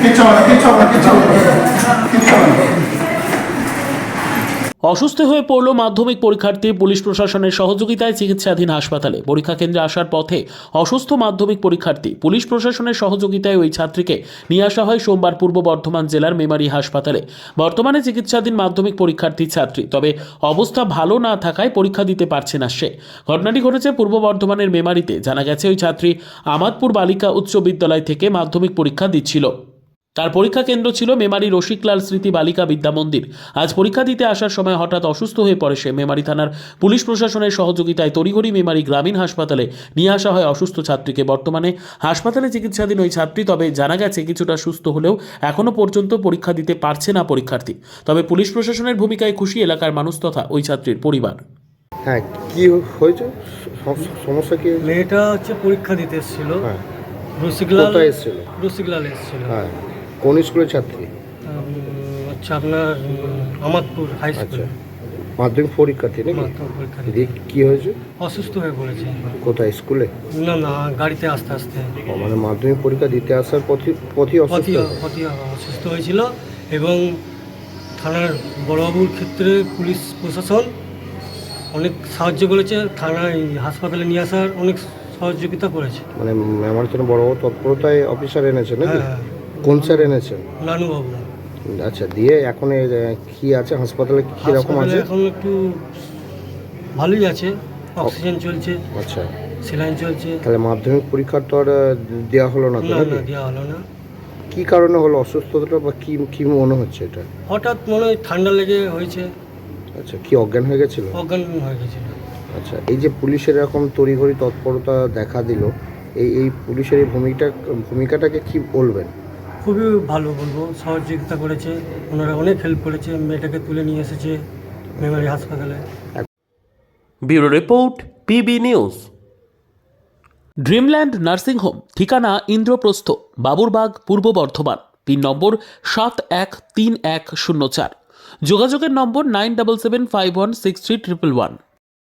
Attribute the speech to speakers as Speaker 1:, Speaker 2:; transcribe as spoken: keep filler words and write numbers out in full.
Speaker 1: অসুস্থ হয়ে পড়ল মাধ্যমিক পরীক্ষার্থী। পুলিশ প্রশাসনের সহযোগিতায় চিকিৎসাধীন হাসপাতালে। পরীক্ষা কেন্দ্রে আসার পথে অসুস্থ মাধ্যমিক পরীক্ষার্থী। পুলিশ প্রশাসনের সহযোগিতায় ওই ছাত্রীকে নিয়ে আসা হয় সোমবার পূর্ব বর্ধমান জেলার মেমারি হাসপাতালে। বর্তমানে চিকিৎসাধীন মাধ্যমিক পরীক্ষার্থী ছাত্রী, তবে অবস্থা ভালো না থাকায় পরীক্ষা দিতে পারছে না সে। ঘটনাটি ঘটেছে পূর্ব বর্ধমানের মেমারিতে। জানা গেছে ওই ছাত্রী আমাদপুর বালিকা উচ্চ বিদ্যালয় থেকে মাধ্যমিক পরীক্ষা দিচ্ছিল। তার পরীক্ষা কেন্দ্র ছিল মেমারি রসিকলাল স্মৃতি বালিকা বিদ্যা মন্দির। আজ পরীক্ষা দিতে আসার সময় হঠাৎ অসুস্থ হয়ে পড়ে সে। মেমারি থানার পুলিশ প্রশাসনের সহযোগিতায় তড়িঘড়ি মেমারি গ্রামীণ হাসপাতালে নিয়ে আসা হয় অসুস্থ ছাত্রীকে। বর্তমানে হাসপাতালে চিকিৎসাধীন ওই ছাত্রী। তবে জানা গেছে কিছুটা সুস্থ হলেও এখনও পর্যন্ত পরীক্ষা দিতে পারছে না পরীক্ষার্থী। তবে পুলিশ প্রশাসনের ভূমিকায় খুশি এলাকার মানুষ তথা ওই ছাত্রীর পরিবার।
Speaker 2: হ্যাঁ, কি হয়েছে? সমস্যা কি?
Speaker 3: মেয়েটা হচ্ছে পরীক্ষা দিতে এসেছিল।
Speaker 2: হ্যাঁ,
Speaker 3: রসিকলাল
Speaker 2: কোথায় এসেছিল?
Speaker 3: রসিকলাল এসেছিল।
Speaker 2: হ্যাঁ, কোন স্কুলের ছাত্রী?
Speaker 3: আচ্ছা, আপনার আমাদপুর হাই স্কুল।
Speaker 2: আচ্ছা, মাধ্যমিক পরীক্ষার্থী নাকি?
Speaker 3: মাধ্যমিক পরীক্ষা দিতে
Speaker 2: দিয়ে কি হয়েছে?
Speaker 3: অসুস্থ হয়ে পড়েছে।
Speaker 2: কোথায়, স্কুলে?
Speaker 3: না না, গাড়িতে আস্তে আস্তে
Speaker 2: ও, মানে মাধ্যমিক পরীক্ষা দিতে আসার পথে পথই অসুস্থ
Speaker 3: পথই
Speaker 2: হয়েছে?
Speaker 3: পথই অসুস্থ হয়েছিল এবং থানার বড়বাবুর ক্ষেত্রে পুলিশ প্রশাসন অনেক সাহায্য করেছে। থানায় হাসপাতালে নিয়ে আসার অনেক সহযোগিতা করেছে।
Speaker 2: মানে আমার জন্য বড় বড় তৎপরতায় অফিসার এনেছেন নাকি?
Speaker 3: হ্যাঁ,
Speaker 2: কোন স্যার এনেছেন?
Speaker 3: নানুবাবু।
Speaker 2: আচ্ছা, দিয়ে এখন এর, কি আছে হাসপাতালে, কি রকম
Speaker 3: হাসপাতালে
Speaker 2: আছে?
Speaker 3: এখন একটু ভালোই আছে, অক্সিজেন চলছে,
Speaker 2: আচ্ছা,
Speaker 3: সেলাইন চলছে।
Speaker 2: তাহলে মাধ্যমিক পরীক্ষার তো আর দেওয়া হলো না তো
Speaker 3: না
Speaker 2: নাকি?
Speaker 3: না, দেওয়া হলো না।
Speaker 2: কি কারণে হলো অসুস্থতাটা, বা কি কি মনে হচ্ছে এটা?
Speaker 3: হঠাৎ মনে হয় ঠান্ডা লেগে হয়েছে,
Speaker 2: আচ্ছা, কি অজ্ঞান হয়ে গেছিল?
Speaker 3: অজ্ঞান হয়ে গেছিল।
Speaker 2: আচ্ছা, এই যে পুলিশের এরকম তড়িঘড়ি তৎপরতা দেখা দিল, এই এই পুলিশের এই ভূমিকা ভূমিকাটাকে কি বলবেন?
Speaker 3: খুবই ভালো বলবো, সহযোগিতা করেছে ওনারা, অনেক হেল্প করেছে। মেয়েটাকে তুলে নিয়ে এসেছে মেমারি হাসপাতালে।
Speaker 1: Bureau report, PB news. Dreamland nursing home, ঠিকানা ইন্দ্রপ্রস্থ, বাবুরবাগ, পূর্ব বর্ধমান। পিন নম্বর সাত এক তিন এক শূন্য চার। যোগাযোগের number nine double seven five one six three triple one.